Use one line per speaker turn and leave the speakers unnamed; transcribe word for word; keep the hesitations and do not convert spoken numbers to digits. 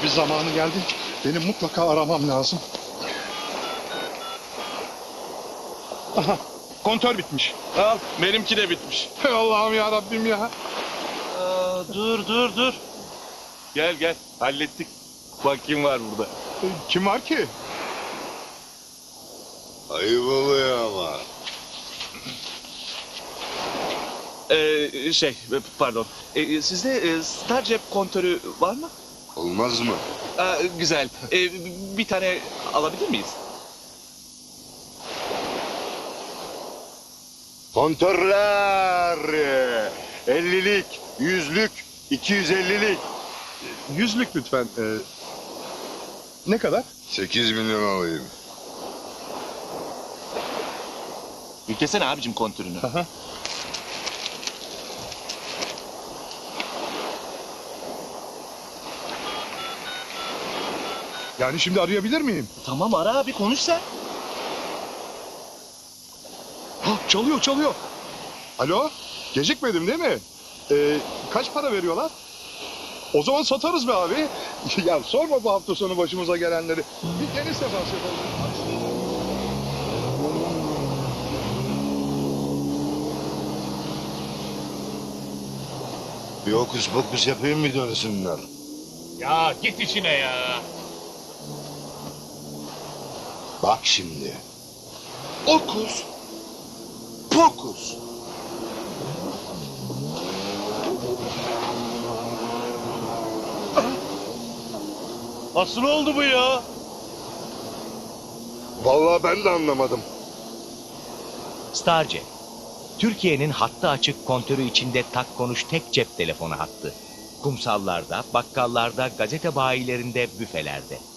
bir zamanı geldi. Benim mutlaka aramam lazım. Aha, kontör bitmiş.
Al, benimki de bitmiş.
Hey Allah'ım ya Rabbim ya.
Aa, dur dur dur. Gel gel, hallettik. Bak kim var burada.
E, Kim var ki?
Ayıp oluyor ama.
Ee, şey, pardon. Ee, sizde e, Star cep kontörü var mı?
Olmaz mı?
Aa, güzel. Ee, bir tane alabilir miyiz?
Kontörler. ellilik, yüzlük, iki yüz ellilik.
Yüzlük lütfen. E, ne kadar?
sekiz milyon alayım.
Yüklesene abicim kontörünü.
Aha. Yani şimdi arayabilir miyim?
Tamam ara abi, konuş sen.
Ha, çalıyor çalıyor. Alo, gecikmedim değil mi? Ee, kaç para veriyorlar? O zaman satarız be abi. Ya sorma bu hafta sonu başımıza gelenleri. Bir deniz sefası yapalım.
Bir hokus pokus yapayım mı dönsünler?
Ya git işine ya.
Bak şimdi. Okus. Pokus.
Nasıl oldu bu ya?
Vallahi ben de anlamadım.
Starcep, Türkiye'nin hattı açık kontörü içinde tak konuş tek cep telefonu hattı. Kumsallarda, bakkallarda, gazete bayilerinde, büfelerde.